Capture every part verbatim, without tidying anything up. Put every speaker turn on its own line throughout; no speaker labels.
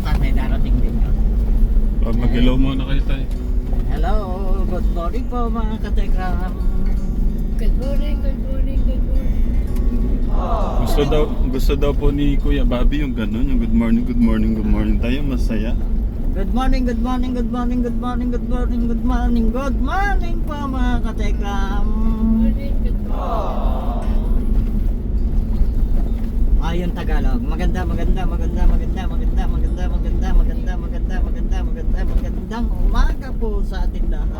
tayo, may darating din yun.
Oh, mag-hello muna kayo tayo.
Hello, good morning po mga katekram.
Good morning, good morning, good morning.
Gusto daw, gusto daw po ni Kuya Bobby yung ganun, yung good morning, good morning, good morning. Tayo masaya.
Good morning, good morning, good morning, good morning, good morning, good morning, good morning po mga katekram.
Morning, good morning.
Ayon Tagalog, maganda, maganda, maganda, maganda, maganda, maganda, maganda, maganda, maganda, maganda, maganda, magandang umaga po sa ating lahat.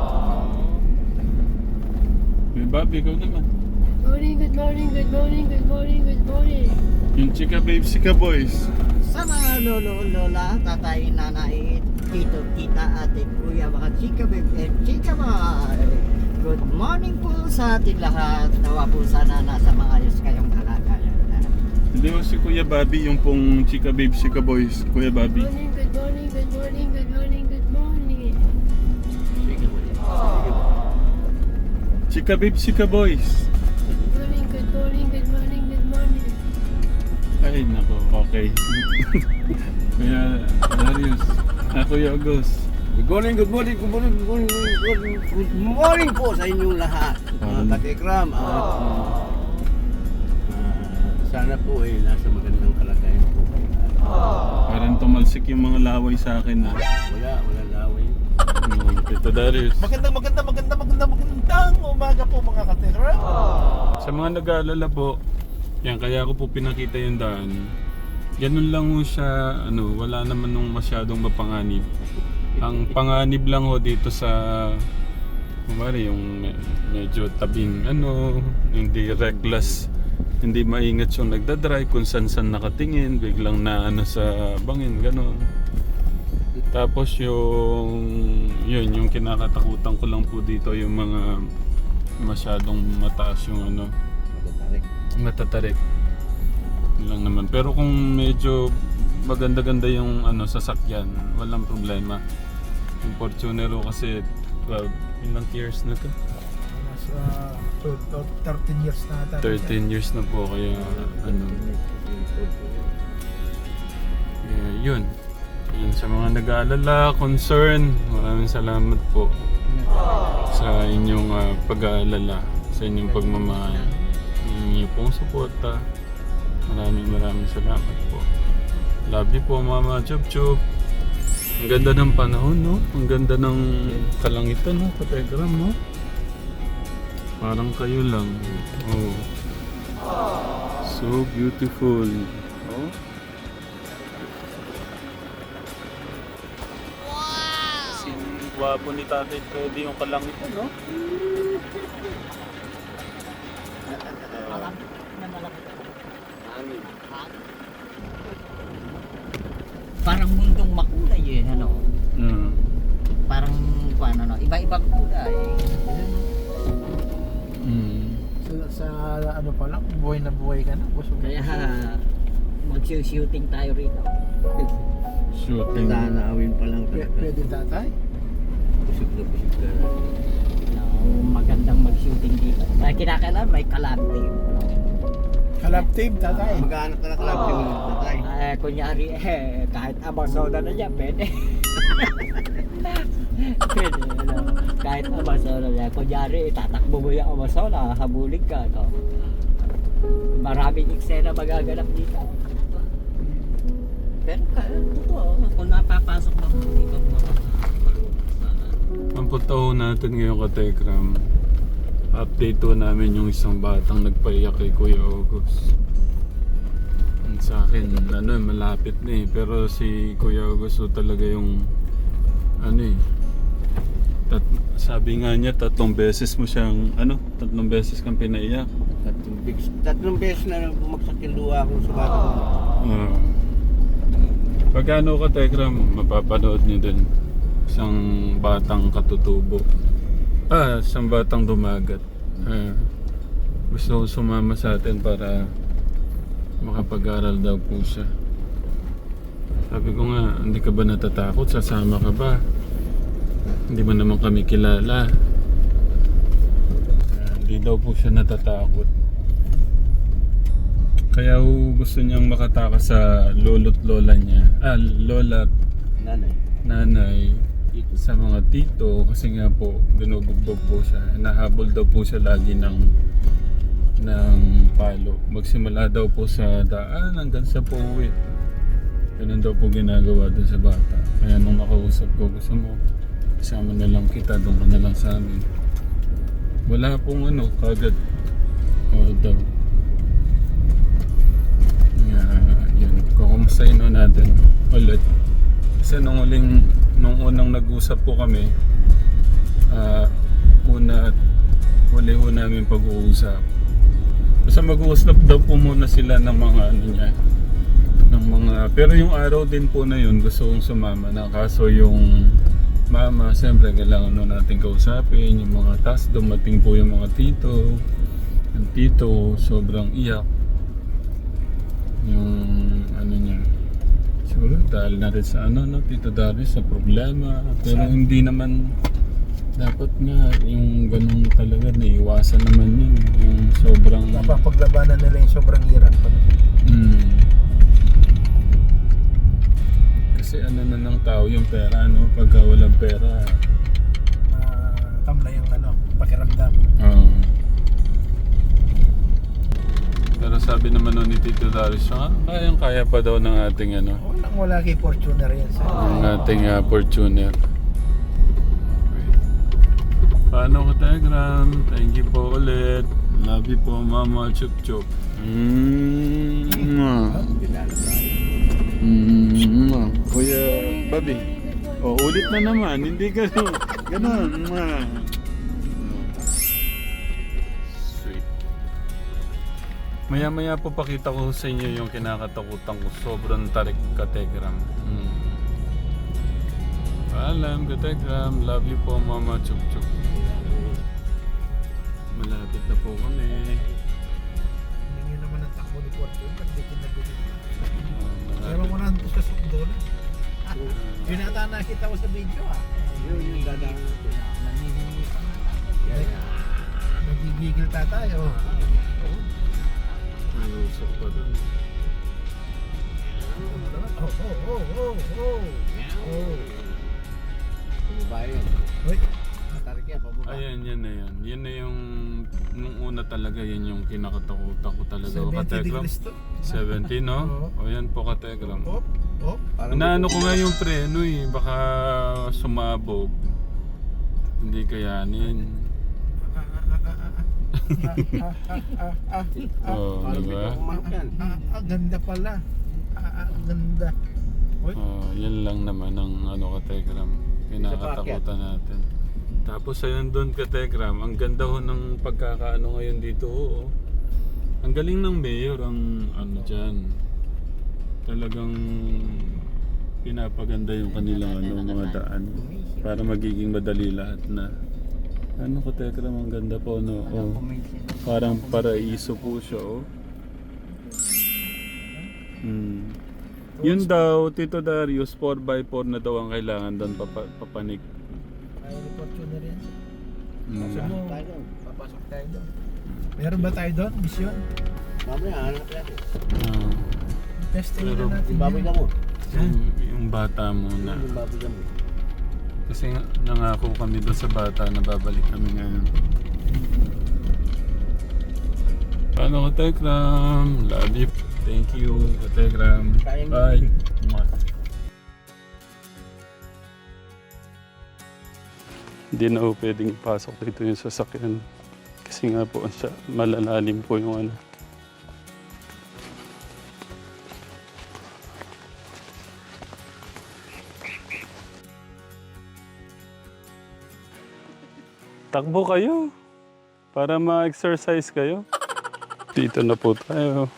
Kuya Bobby, ikaw naman.
Morning, good morning, good morning, good morning, good morning.
Yung chika babe, sika boys.
Sa mga lolo, lola, tatay, nanay, tito, tita, ate, kuya, mga chika babe, and chika boy. Good morning po sa ating lahat. Nawa po sana nasa maayos kayong kalagayan.
Hindi mo si Kuya Bobby, yung pong chika babe, sika boys. Kuya Bobby.
Morning, good morning, good morning, good morning, good morning.
Chika babe, sika boys.
Good morning, good morning, good morning, good morning.
Ay, nako, okay. Kuya Darius. Ah, Kuya August.
Good morning, good morning, good morning, good morning, good morning, good morning po sa inyong lahat. Mga katikram. At ah, sana po eh nasa magandang kalagayan po.
Parang tumalsik yung mga laway sa akin na.
Wala, wala laway.
Ano, Tito Darius.
Magandang, maganda, maganda, maganda, magandang umaga po mga katikram.
Sa mga nag-aalala po, yan kaya ko po pinakita yung daan. Ganun lang ho siya, ano, wala naman nung masyadong mapanganib. Ang panganib lang ho dito sa kumari yung me- medyo tabing ano, hindi reckless, hindi maingat yung nagdadrive kung san-san nakatingin, biglang na ano sa bangin, gano'n. Tapos yung yun, yung kinakatakutan ko lang po dito yung mga masyadong mataas yung ano, matatarik. Yun lang naman. Pero kung medyo maganda-ganda yung ano sasakyan, walang problema. Yung Fortunero kasi twelve, ilang years na to?
Nasa thirteen years na ata.
thirteen years na po kaya ano. Yeah, yun. Yun sa mga nag-aalala, concern, maraming salamat po sa inyong uh, pag-aalala, sa inyong pagmamahal. Yung inyong pong suporta. Maraming maraming salamat po. Love you po Mama Chup Chup. Ang ganda ng panahon, no? Ang ganda ng kalangitan, no? Kategram, no? Parang kayo lang. Oh. So beautiful. Oh. Wow! Sin gwapo ni Tatay Teddy yung kalangitan, no?
Malaki na malaki. Parang mundong makulay eh, ano?
Mm.
Parang, ano, no? Iba-ibang kulay.
Mm.
Sa, sa ano pa lang, buhay na buhay ka na. Busog na
Kaya,
busog.
mag-shooting tayo rito.
Shooting.
Nananawin pa lang
P-
talaga.
pwede tatay?
Busog na busog ka na.
No, magandang mag-shooting dito. Kaya kinakailangan may collab team.
Kalab team tatay.
Mag-aanap ka na kalab yung tatay.
Eh, kunyari, eh, kahit Amazona na niya, pwede. Pwede, ano. Kahit Amazona niya. Kunyari, tatakbo mo yung Amazona, habulin ka, no? Maraming eksena magaganap dito. Pero, kaya, totoo, kung napapasok na mo dito,
Ang punta ho natin ngayon ka Tekram, update ho namin yung isang batang nagpaiyak kay Kuya August. Ang sa akin, ano eh, malapit na eh. Pero si Kuya August ho talaga yung ano eh, tat, sabi nga niya tatlong beses mo siyang ano, tatlong beses kang pinaiyak.
Tatlong beses, tatlong beses na bumagsak yung luha ko sa bata ko.
Uh, pagkano ka Tekram, mapapanood niyo din isang batang katutubo. Ah, isang batang dumagat. Ah, gusto ko sumama sa atin para makapag-aral daw po siya. Sabi ko nga, hindi ka ba natatakot? Sasama ka ba? Hindi mo naman kami kilala. Ah, hindi daw po siya natatakot. Kaya ho gusto niyang makatakas sa lolo't lola niya. Ah, lola at
Nanay.
nanay sa mga tito kasi nga po binubugbog po siya. Nahabol daw po siya lagi ng ng palo. Magsimula daw po sa daan hanggang sa pauwi. Ganun daw po ginagawa dun sa bata. Kaya nung nakausap ko, gusto mo kasama na lang kita, doon ka na lang sa amin. Wala pong ano, kagad. O daw. Yeah, yun. Kukumustahin na natin ulit. Kasi nung uling, nung unang nag-usap po kami, uh, una at huli ho namin pag-uusap. Basta mag-uusap daw po muna sila ng mga ano niya. Ng mga, pero yung araw din po na yun, gusto kong sumama na. Kaso yung mama, siyempre kailangan nun natin kausapin. Yung mga tas, dumating po yung mga tito. Yung tito, sobrang iyak. Yung ano niya. Siguro dahil na rin sa ano, no, Tito Darius, sa problema. Pero hindi naman, dapat nga yung ganun talaga, naiwasan naman yun. Yung sobrang...
Napapaglabanan nila yung sobrang hirap.
Mm. Kasi ano na ng tao yung pera, no? Pagka walang pera,
Uh, tamla yung ano, pakiramdam.
oo. Pero sabi naman nun ni Tito Darius, ah, kayang kaya pa daw ng ating ano,
Walang wala kay Fortuner yan sa...
ng ating uh, Fortuner. Okay. Paano ka, Telegram? Thank you po ulit. Love you po, Mama Chup Chup. Mm.
Dinala tayo.
Mm. Kuya Bobby. Oh, ulit na naman. Hindi ganun. Ganun. Mwah. Sweet. Maya-maya po pakita ko sa inyo yung kinakatakutan ko. Sobrang tarik ka, Telegram. Mm. Paalam ka, Telegram. Love you po, Mama Chup Chup. Malapit na po kami.
Hindi nyo naman ang takbo ni Fortuner. Pag di kinagulit.
Ah,
Pero mo na ito sa sukdo na. Yun ata nakita ko sa video ah.
Yun yung dadaan natin.
Nangihingi pa nga.
Yan, yan.
Nagigigil tatay oh.
May usap pa dun.
Oh, oh, oh, oh, oh. Oh.
Pababa yun.
Uy,
Matarik yan, pababa.
Ayan, yan na yan. Yan na yung, nung una talaga, yan yung kinakatakutan ko talaga. O,
seventy
Kategram?
degrees to.
seventy, no?
Oo.
O yan po, Kategram.
Oh, oh.
Parang
Inaano ko nga yung preno eh, baka sumabog. Hindi kayanin.
Ah, ah, ah, ah, ah.
Oo,
Parang
di ba?
bigla kumanok yan.
Ah, ah, ganda pala. Ah, ah, ganda. Uy,
Oh, yan lang naman ang ano, Kategram. Kinakatakutan natin. Tapos ayun doon, Kategram, ang ganda ho ng pagkakaano ngayon dito ho. Oh. Ang galing ng mayor ang ano dyan. Talagang pinapaganda yung kanilang ano, mga daan para magiging madali lahat na. Ano, Kategram, ang ganda po, no? Oh, parang paraiso po siya, oh. Hmm. Yun daw, Tito Darius, four by four na daw ang kailangan doon, papa, papanik.
ayaw ni Fortuner yan.
Hmm.
Gusto mo,
Tayo doon.
papasok tayo doon. Meron ba tayo doon? Mission?
Mamaya, hanap natin.
Ah,
Testing
Pero-
na natin
Yung baboy
yan.
ka mo.
yung, yung bata muna.
Yung baboy ka mo.
Kasi nga, nangako kami doon sa bata na babalik kami ngayon. Paano ka, Telegram? Love you. Thank you, ka, Telegram.
Kayang-
Bye. Mwah. Hindi na po pwedeng ipasok dito yung sasakyan. Kasi nga po siya, malalalim po yung ano. Takbo kayo para ma-exercise kayo. Dito na po tayo.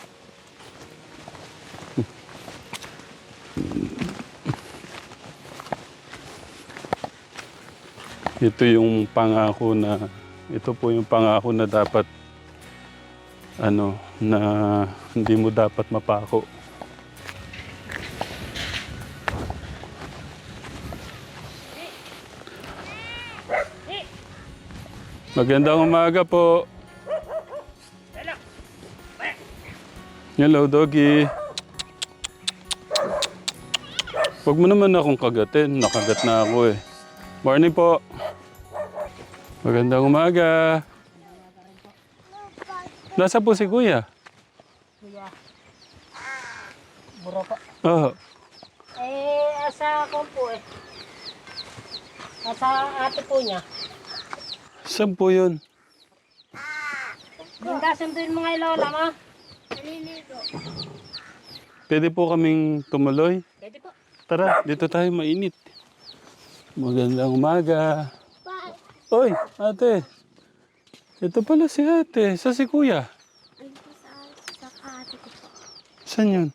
Ito yung pangako na ito po yung pangako na dapat ano na hindi mo dapat mapako. Magandang umaga po. Hello, doggy. Huwag mo naman akong kagatin. Nakagat na ako eh. Morning po. Magandang umaga. Nasa po si Kuya?
Buro po.
Oo.
Eh, asa ko po eh. Asa ate po niya.
Saan po yun?
Ganda sunduin mga ilola mo.
Pwede po kaming tumuloy?
Pwede po.
Tara, dito tayo mainit. Magandang umaga. Oy, ate. Ito pala si ate. Sa si Kuya? Saan yun?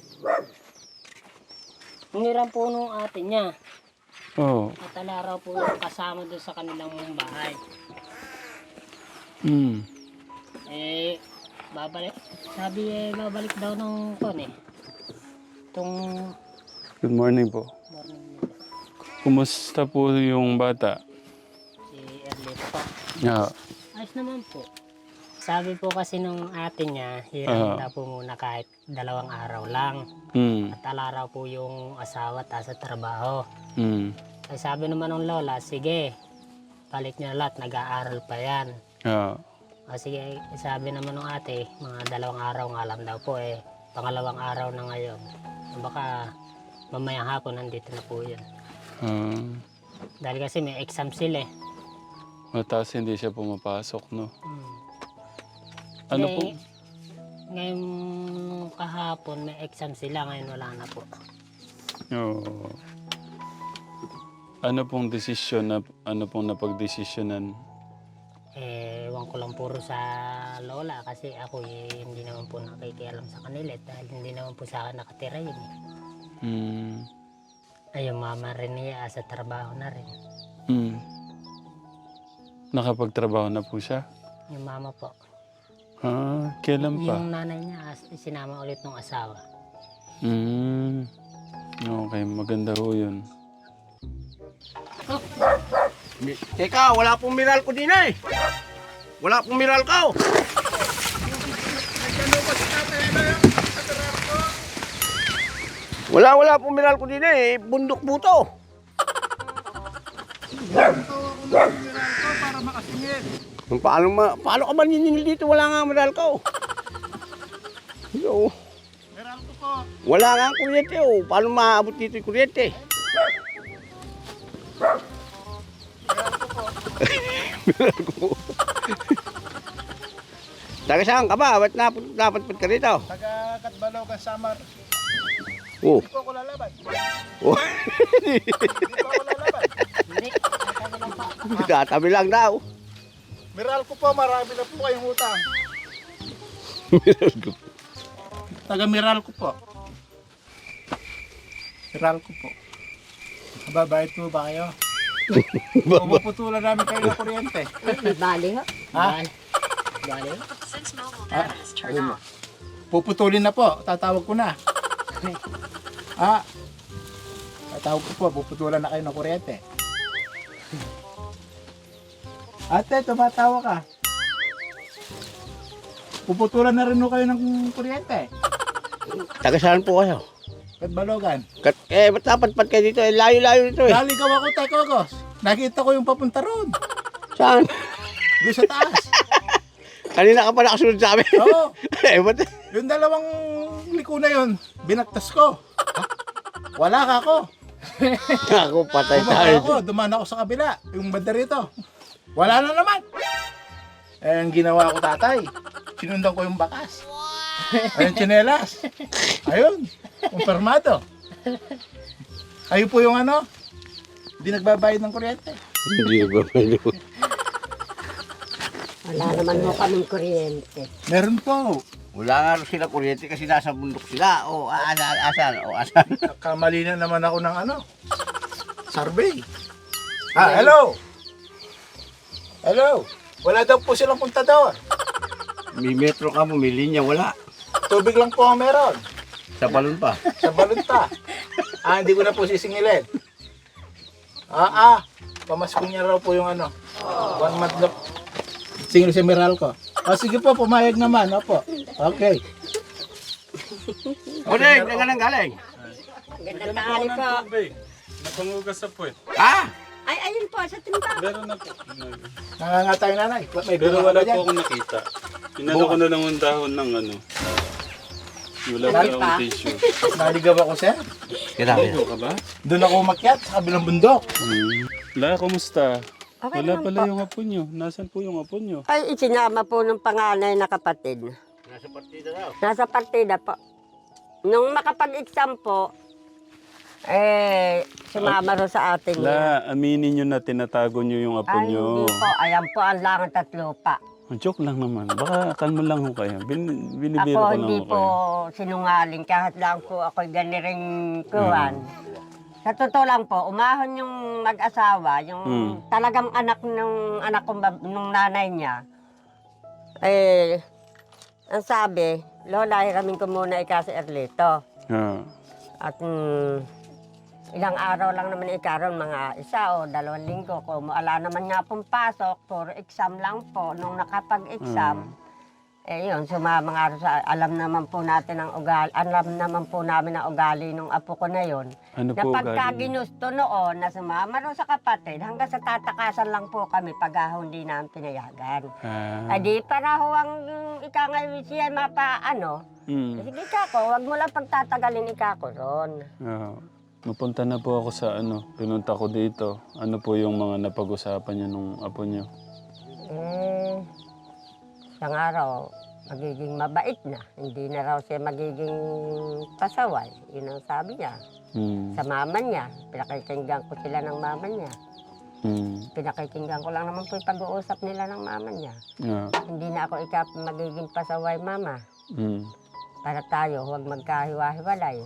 Nangiram po nung ate niya.
Oo.
At alaraw po yung kasama doon sa kanilang bahay.
Hmm.
Eh, babalik. Sabi eh, babalik daw ng kon eh. Itong
Good morning po.
morning nila.
Kumusta po yung bata?
Si Erlito po.
Yeah.
Ayos naman po. Sabi po kasi nung ate niya, hiram
Ah.
na po muna kahit dalawang araw lang.
Hmm.
At alaraw po yung asawa at sa trabaho.
Hmm.
Ay sabi naman ng lola, sige, balik niya lahat, nag-aaral pa yan.
Yeah.
O sige, sabi naman ng ate, mga dalawang araw nga lang daw po eh. Pangalawang araw na ngayon. Baka mamayang hapon nandito na po yun.
Ah.
Dahil kasi may exam sila eh.
Mataas hindi siya pumapasok, no?
Hmm.
Ano
Eh,
po?
Ngayon kahapon may exam sila, ngayon wala na po.
Oo. Ano pong desisyon na ano pong napagdesisyonan?
Eh, ewan ko lang puro sa lola kasi ako eh, hindi naman po nakikialam sa kanila eh, dahil hindi naman po sa akin nakatira yun eh.
Hmm.
Ay, yung mama rin niya sa trabaho na rin.
Hmm. Nakapagtrabaho na po siya?
Yung mama po.
Ah, kailan pa?
Yung nanay niya as- sinama ulit ng asawa.
Hmm. Okay, maganda ho yun.
Mi- Teka, wala pong miral ko din eh. Wala pong miral ko. Wala, wala pong miral ko din eh. Bundok buto.
Para makasingit.
Paano, ma paano ka ba niningil dito? Wala nga miral ko. Yo.
Meron ko po.
Wala nga ang kuryente oh. Paano maabot dito yung kuryente? Miral ko. Taga saan ka ba? Ba't napad, napadpad ka rito?
Taga Katbalogan, Samar.
Oh.
Hindi po ako lalaban.
Oh.
Hindi po ako lalaban.
Hindi, sabi lang po.
Tatabi lang daw.
Meral ko po, marami na po kayong utang.
Miral ko.
Taga Meral ko po. Meral ko po. Mababayad po ba kayo? Puputulan namin kayo ng kuryente.
Bali ho.
Ha?
Bali. Bali ho.
Ah, ayun mo. Puputulin na po, tatawag ko na. Ah, tatawag ko po, puputulan na kayo ng kuryente. Ate, tumatawa ka. Puputulan na rin ho kayo ng kuryente.
Taga saan po kayo?
Katbalogan.
Kat eh, ba't napadpad kayo dito? Eh, layo-layo dito eh.
Naligaw ako, Tekogos. Nakita ko yung papunta roon.
Saan?
Doon sa taas.
Kanina ka pa nakasunod sa amin.
Oo.
eh, ba't?
Yung dalawang liko na yun, binaktas ko. Wala ka ako.
Ako, patay
Bumaba
tayo.
ako, dumaan ako sa kabila. Yung banda rito. Wala na naman. Eh, ang ginawa ko tatay, sinundan ko yung bakas. Ayun, tsinelas. Ayun, kumpirmado. Ayun po yung ano, hindi nagbabayad ng kuryente.
Hindi ba pwede?
Wala naman mo kaming kuryente.
Meron po.
Wala nga rin sila kuryente kasi nasa bundok sila. O, asan, asan, o, asan.
Kamali na naman ako ng ano, survey. Ah, hello. Hello. Wala daw po silang puntador.
May metro ka mo, may linya, wala.
Tubig lang po ang meron.
Sa balon pa.
Sa balunta. Ah, hindi ko na po sisingilin. Ah, ah. Pamasko niya raw po yung ano. One month na. Singil si Meralco. O sige po, pumayag naman. Opo. Okay.
Odeng, saan ka nang galing?
Gandang
Bigyan ako ng tubig. Napangugas sa puwet.
Ha?
Ay, ayun po, sa timba.
Meron na po.
Nangangatay nanay. May
Pero
bunga
wala
ba
po
dyan?
akong nakita. Inano ko na lang ang dahon ng ano. Wala pa akong tissue.
Naligaw ako, sir.
Ano ka ba?
Doon ako umakyat sa kabilang bundok.
Hmm. La, kumusta?
Okay
Wala
naman
pala
po.
yung apo nyo. Nasaan po yung apo nyo?
Ay, isinama po ng panganay na kapatid.
Nasa partida daw.
Nasa partida po. Nung makapag-exam po, eh, sumama ro sa atin.
La, aminin nyo na tinatago nyo yung apo
Ay,
nyo.
hindi po. Ayan po ang langat at lupa.
Joke lang naman. Baka kalmo lang ho kayo. Bin, binibiro
Ako
ko lang
hindi
ho
po
kayo.
sinungaling kahit lang po ako'y ganiring kuwan. Sa totoo lang po, umahon yung mag-asawa, yung
Hmm.
talagang anak nung anak kong bab- nung nanay niya. Eh, ang sabi, Lola, hiramin ko muna ika si Erlito.
Ah.
At mm, ilang araw lang naman ikaroon, mga isa o dalawang linggo. Kung wala naman nga pong pasok, puro exam lang po. Nung nakapag-exam, eh yun, sumama nga rin sa, alam naman po natin ang ugali, alam naman po namin ang ugali nung apo ko na yun.
Ano
Na
po
pagka
ugali niyo?
ginusto noon, na sumama rin sa kapatid, hanggang sa tatakasan lang po kami pag ah, hindi namin pinayagan.
Ah.
Ay di, para ho ang ika ngayon siya mapa, ano,
Mm.
sige ka ko, wag mo lang pagtatagalin ika ko ron.
Ah. Mapunta na po ako sa ano. Pinunta ko dito. Ano po yung mga napag-usapan niyo nung apo niyo?
Eh, isang araw, magiging mabait na. Hindi na raw siya magiging pasaway. Yun ang sabi niya.
Hmm.
Sa mama niya, pinakikinggan ko sila ng mama niya.
Hmm.
Pinakikinggan ko lang naman po yung pag-uusap nila ng mama niya.
Ah.
Hindi na ako ika magiging pasaway, mama.
Hmm.
Para tayo, huwag magkahiwa-hiwalay.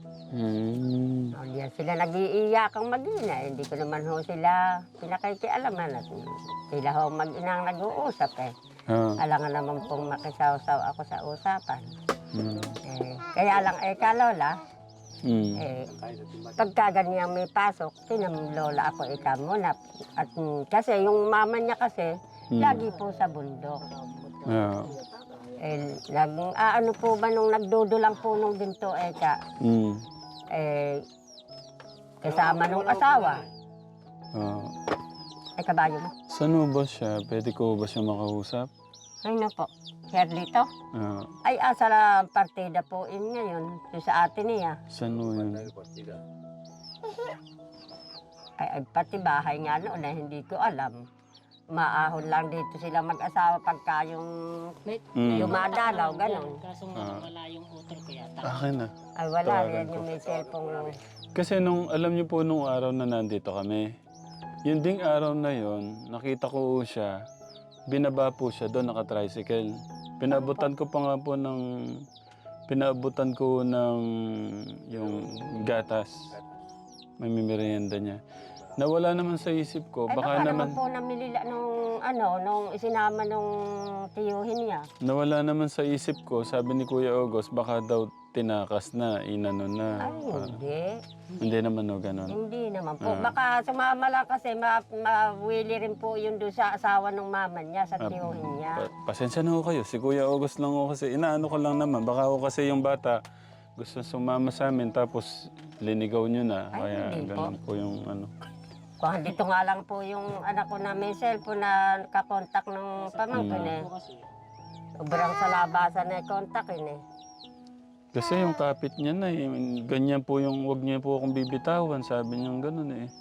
Hmm.
O, diyan sila nag-iiyakang mag-ina. Hindi ko naman ho sila pinakikialaman. At sila ho mag-inang nag-uusap eh.
Ah.
Alangan naman pong makisaw-saw ako sa usapan.
Hmm.
Eh, kaya lang, eh, kalola,
Hmm.
eh, pagka ganyan may pasok, tinamlola ako ika muna. At mm, kasi yung mama niya kasi,
Hmm.
lagi po sa bundok.
Ah.
Eh, nag, ah, ano po ba nung nagdudulang po nung ginto, eka,
Hmm.
eh, kasama nung asawa.
Ah.
Ay, kabayo mo.
Saan ho ba siya? Pwede ko ba siya makausap?
Ay, na po. Herlito.
Ah.
Ay, asa la partida po in ngayon. Yung sa atin niya.
Saan ho yun?
Ay, ay, pati bahay nga noon na hindi ko alam. Maahon lang dito sila mag-asawa pagka yung
Hmm.
dumadalaw, ganun.
Kaso
Ah.
wala yung utol ko yata.
Akin na.
Ay, wala
Tawagan
yan
ko.
yung may cellphone.
Kasi nung, alam niyo po nung araw na nandito kami, yung ding araw na yon, nakita ko po siya, binaba po siya doon, naka-tricycle. Pinabutan ko pa nga po ng, pinabutan ko ng yung gatas. May merienda niya. Nawala naman sa isip ko,
Ay,
baka
baka
naman,
naman po namilila nung, ano, nung isinama nung tiyuhin niya.
nawala naman sa isip ko, sabi ni Kuya August, baka daw tinakas na, inano na.
Ay,
Parang-
hindi.
hindi naman o ganon.
Hindi naman po.
Ah.
Baka sumama lang kasi ma mawili rin po yun doon sa asawa ng mama niya, sa
Ah,
tiyuhin niya.
Pa- pasensya na ho kayo. Si Kuya August lang ho kasi. Inaano ko lang naman. Baka ho kasi yung bata gusto sumama sa amin tapos linigaw nyo na.
Ay,
Kaya
hindi po.
ganun po yung ano.
Kung dito nga lang po yung anak ko na may cellphone na kakontak ng pamangkin eh. Sobrang sa labasan na kontakin eh.
Kasi yung kapit niya na eh. Ganyan po yung wag niya po akong bibitawan. Sabi niya ganun eh.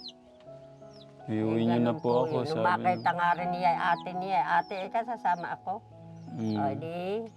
Iuwi niyo na
Ganun
po ako.
yun. Nung
Sabi
makita
niya.
nga rin niya, ate niya, ate, ikaw sasama ako.
Mm.
O di,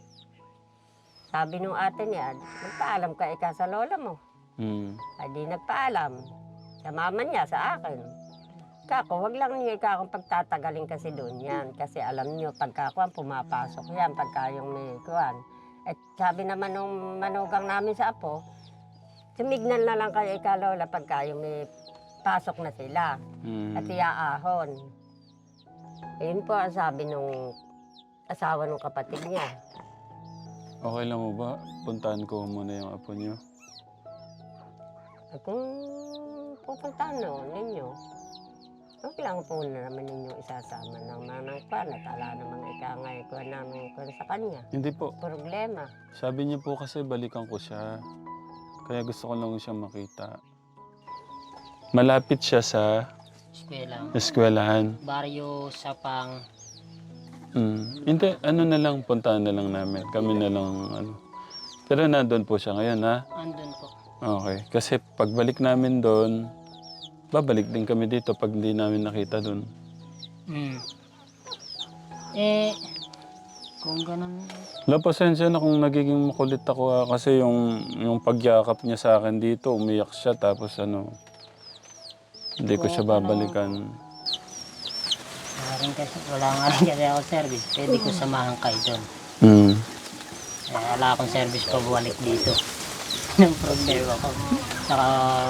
sabi nung ate niya, nagpaalam ka ikaw sa lola mo.
Mm.
Ay di nagpaalam. Sa mama niya, sa akin. Kako, wag lang niyo ikaw akong pagtatagalin kasi doon yan. Kasi alam niyo, pagka kuwan, pumapasok yan, pagka yung may kuwan. At sabi naman nung manugang namin sa apo, sumignan na lang kayo ikaw, lola, pagka yung may pasok na sila.
Mm.
At iaahon. Ayun po ang sabi nung asawa ng kapatid niya.
Okay lang mo ba? Puntahan ko muna yung apo niyo.
At kung pupuntahan no, ninyo, Huwag lang po na naman ninyong isasama ng manang kwan at ala namang ikangay ko ng kwan sa kanya.
Hindi po.
Problema.
Sabi niya po kasi balikan ko siya. Kaya gusto ko lang siya makita. Malapit siya sa
Eskwela.
eskwelahan.
Baryo Sapang.
Mm. Hindi, ano na lang, puntahan na lang namin. Kami na lang, ano. Pero nandun po siya ngayon, ha?
Andun po.
Okay. Kasi pagbalik namin doon, babalik din kami dito pag hindi namin nakita doon.
Mm. Eh, kung ganun,
La, pasensya na kung nagiging makulit ako, ha? Kasi yung, yung pagyakap niya sa akin dito, umiyak siya, tapos ano, hindi ko siya babalikan.
wala rin kasi, wala nga rin kasi ako service. Pwede ko samahan kayo doon.
Mm.
Eh, wala akong service pa bumalik dito. Yung problema ko. Saka,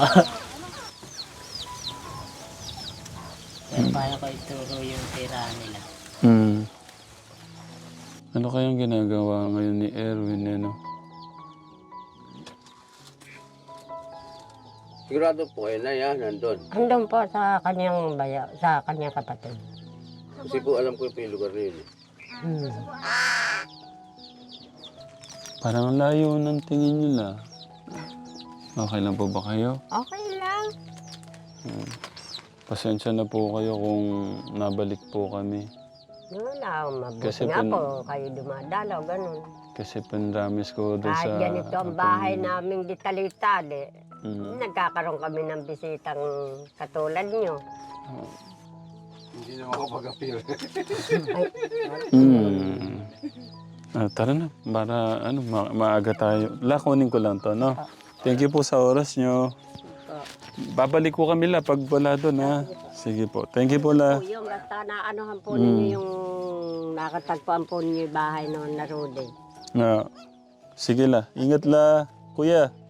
pero paano ko ituro yung tirahan nila?
Mm. Ano kayang ginagawa ngayon ni Erwin, ano?
Sigurado po kayo na yan, nandun.
Andun po sa kanyang baya, sa kanyang kapatid.
Kasi po alam ko po yung lugar na yun. eh.
Hmm.
Parang layo ng tingin nila. Okay lang po ba kayo?
Okay lang.
Pasensya na po kayo kung nabalik po kami.
Wala, mabuti
Kasi
nga
pin-
po kayo dumadalaw, ganun.
Kasi panramis ko doon sa...
Kahit ganito ang bahay namin di talitali,
Mm.
nagkakaroon kami ng bisitang katulad nyo.
Hindi na makapag-appeal.
Mm. Ah, tara na, para ano, ma- maaga tayo. La, kunin ko lang to, no? Thank you po sa oras nyo. Babalik ko kami la pag wala doon, ha? Sige po. Thank you po, la.
Po, yung basta na anuhan po ninyo yung nakatagpuan po ninyo yung bahay noon na Rudy.
Na, sige la. Ingat la, kuya.